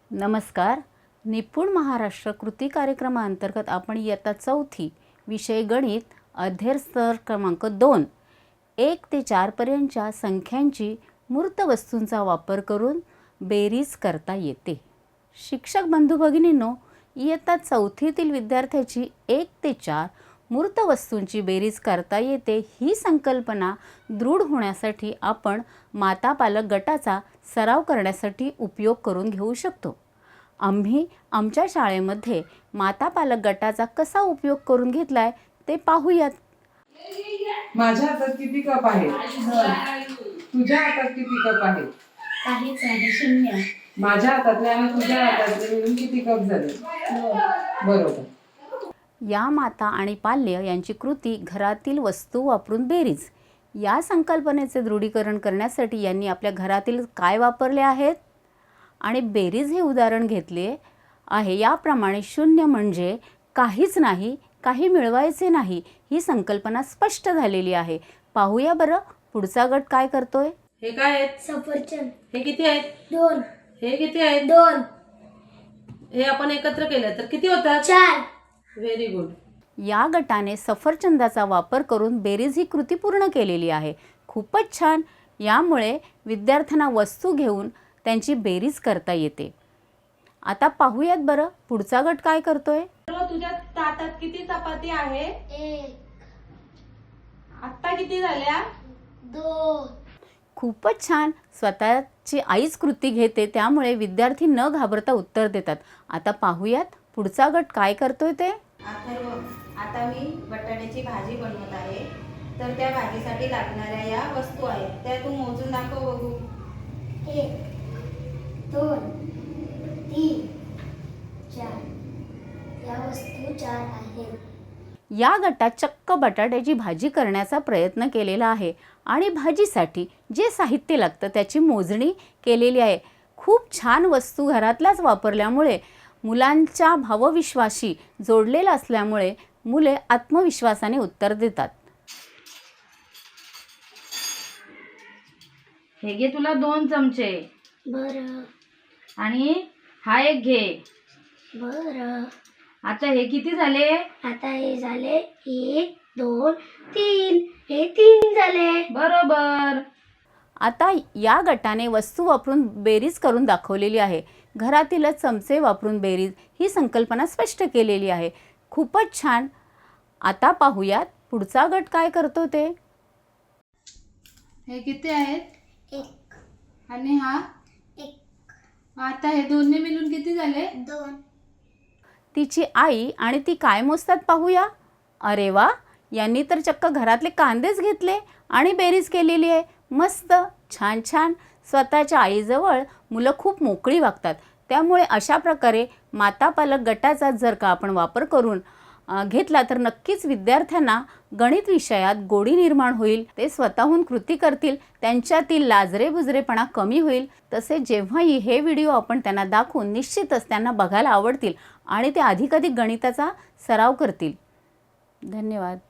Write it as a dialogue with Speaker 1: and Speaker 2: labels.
Speaker 1: नमस्कार. निपुण महाराष्ट्र कृती कार्यक्रमाअंतर्गत आपण इयत्ता 4थी विषय गणित अध्ययन स्तर क्रमांक 2 1 ते 4 पर्यंतच्या संख्यांची मूर्त वस्तूंचा वापर करून बेरीज करता येते. शिक्षक बंधू भगिनींनो, इयत्ता 4थीतील विद्यार्थ्याची 1 ते 4 मूर्त वस्तूंची बेरीज करता येते ही संकल्पना दृढ होण्यासाठी आपण माता पालक गटाचा सराव करण्यासाठी उपयोग करून घेऊ शकतो. आम्ही आमच्या शाळेमध्ये माता पालक गटाचा कसा उपयोग करून घेतलाय ते पाहूयात.
Speaker 2: माझ्या हातात किती कप आहेत? तुझ्या हातात किती कप आहेत?
Speaker 3: काहीच नाही, शून्य.
Speaker 2: माझ्या हातातले आणि तुझ्या हातातले मिळून किती कप झाले? बरोबर.
Speaker 1: या माता आणि पाल्य यांची कृती घरातील वस्तू वापरून बेरीज या संकल्पनेचे दृढीकरण करण्यासाठी यांनी आपल्या घरातील काय वापरले आहेत आणि बेरीज हे उदाहरण घेतले आहे. याप्रमाणे शून्य म्हणजे काहीच नाही, काही मिळवायचे नाही ही संकल्पना स्पष्ट झालेली आहे. पाहूया बरं पुढचा गट काय करतोय.
Speaker 4: हे काय आहेत?
Speaker 3: सफरचंद.
Speaker 4: हे किती आहेत?
Speaker 3: 2.
Speaker 4: हे किती आहेत?
Speaker 3: 2.
Speaker 4: हे आपण एकत्र केलं तर किती होतात?
Speaker 3: 4.
Speaker 4: Very good.
Speaker 1: या गटाने सफरचंदाचा वापर करून बेरीज ही कृती पूर्ण केलेली आहे. खूपच छान. यामुळे विद्यार्थ्यांना वस्तू घेऊन त्यांची बेरीज करता येते. आता पाहूयात बरं पुढचा गट काय करतोय.
Speaker 4: तुझ्या ताटात किती चपाती आहे?
Speaker 3: 1.
Speaker 4: आत्ता किती झाल्या?
Speaker 3: 2.
Speaker 1: खूपच छान. स्वतःची आईच कृती घेते, त्यामुळे विद्यार्थी न घाबरता उत्तर देतात. आता पाहूयात पुढचा गट काय करतोय ते.
Speaker 5: अथर्व, आता मी बटाट्याची भाजी बनवत आहे. तर त्या भाजीसाठी लागणाऱ्या या वस्तू आहेत, त्या तू मोजून दाखव बघू.
Speaker 3: 1 2 3 4. या वस्तू 4 आहेत.
Speaker 1: या गटात चक्क बटाट्याची भाजी करण्याचा प्रयत्न केलेला आहे आणि भाजीसाठी जे साहित्य लागतं त्याची मोजणी केलेली आहे. खूप छान वस्तू घरातल्याच वापरल्यामुळे मुलांच्या भावविश्वाशी जोडलेला असल्यामुळे मुले आत्मविश्वासाने उत्तर देतात.
Speaker 5: हे घे तुला 2 चमचे
Speaker 3: बरं.
Speaker 5: आणि हा एक घे.
Speaker 3: बरं.
Speaker 5: आता हे किती झाले?
Speaker 3: आता हे झाले 1 2 3. हे 3 झाले.
Speaker 5: बरोबर.
Speaker 1: आता या गटाने वस्तू वापरून बेरीज करून दाखवलेली आहे. घरातीलच चमचे वापरून बेरीज ही संकल्पना स्पष्ट केलेली आहे. खूपच छान. आता पाहूयात पुढचा गट काय करतो ते.
Speaker 4: हे किती आहेत?
Speaker 3: 1
Speaker 4: आणि हा?
Speaker 3: 1
Speaker 4: आता हे दोन्ही मिळून किती झाले?
Speaker 3: 2.
Speaker 1: तिची आई आणि ती काय मोजतात पाहूया. अरे वा, यांनी तर चक्क घरातले कांदेच घेतले आणि बेरीज केलेली आहे. मस्त. छान छान. स्वतःच्या आईजवळ मुलं खूप मोकळी वागतात. त्यामुळे अशा प्रकारे माता पालक गटाचा जर का आपण वापर करून घेतला तर नक्कीच विद्यार्थ्यांना गणित विषयात गोडी निर्माण होईल. ते स्वतःहून कृती करतील, त्यांच्यातील लाजरेबुजरेपणा कमी होईल. तसेच जेव्हाही हे व्हिडिओ आपण त्यांना दाखवून निश्चितच त्यांना बघायला आवडतील आणि ते अधिकाधिक गणिताचा सराव करतील. धन्यवाद.